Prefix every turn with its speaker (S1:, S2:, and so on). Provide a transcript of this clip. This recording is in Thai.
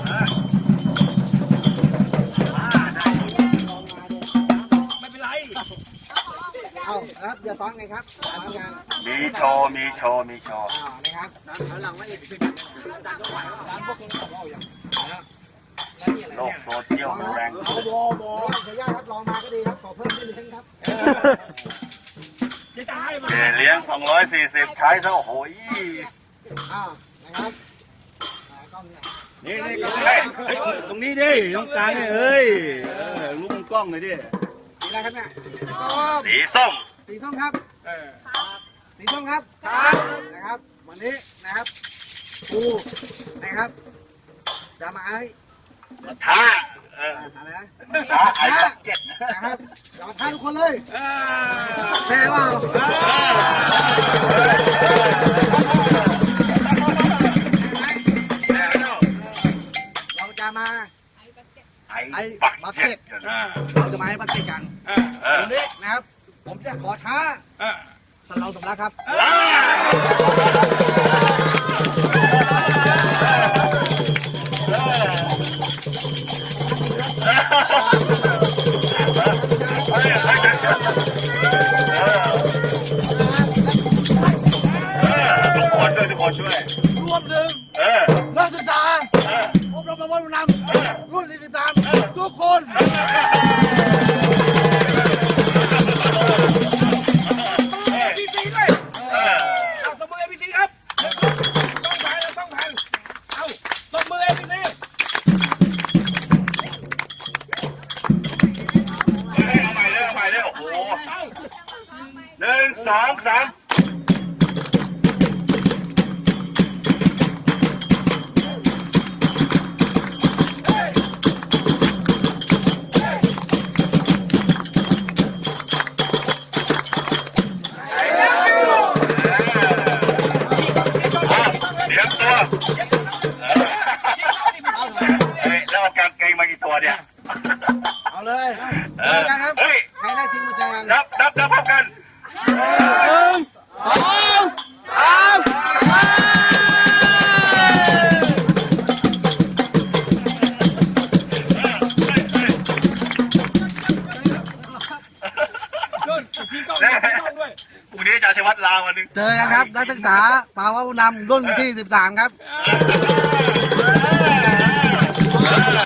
S1: ไม่เป็นไร
S2: เอาครับอย่าซ้อนไงครับ
S3: มีโชว์
S2: นะครับหลังมาอีก10
S3: โลกโซเชียลมันแรง
S2: บอขออนุญาตครับลองมาก็ดีครับขอเพิ่มนิดนึงครับ
S3: เลี้ยง240ใช้ซะโอ้โห
S2: นะครับ
S3: นี่ตรงนี้ดิตรงกลางเอ้ยลูกกล้องเลยดิ
S2: สีอะไรครับเนี่ย
S3: สีส้ม
S2: ครับสีส้มครับนะครับวันนี้นะครับปูนะครับจะมาให้
S3: ท้า
S2: อะไรนะ
S3: ไอ้เจ็ด
S2: นะครับจะมาท้าทุกคนเลยแพ้ว่าเราจะมาไอ้บักเก็ตเราจะมาให้บักเก็ตกันวันนี้นะครับผมจะขอท้าสำเราสำลักครับ
S3: ทุกคนด้วย
S2: รวมถึงนักศึกษาอบรมประวัตินำรุ่น43ทุกคน
S1: พี่ซีด้วยเอาตบมือพี่ซีครับต้องผ่านเอาตบมือพี่ซี
S3: เอาใหม่เลยโอ้โห1 2 3แล้วเอากางเกงมากี่ตัวเนี่ย
S2: เอาเลยเจอกันครับใครได้จริงมาเจอกัน
S3: นับพร้อมกันพรุ่งนี้จะชัยวัฒน์ลาววันนึง
S2: เจอกันครับนักศึกษาภาวะผู้นำรุ่นที่13ครับ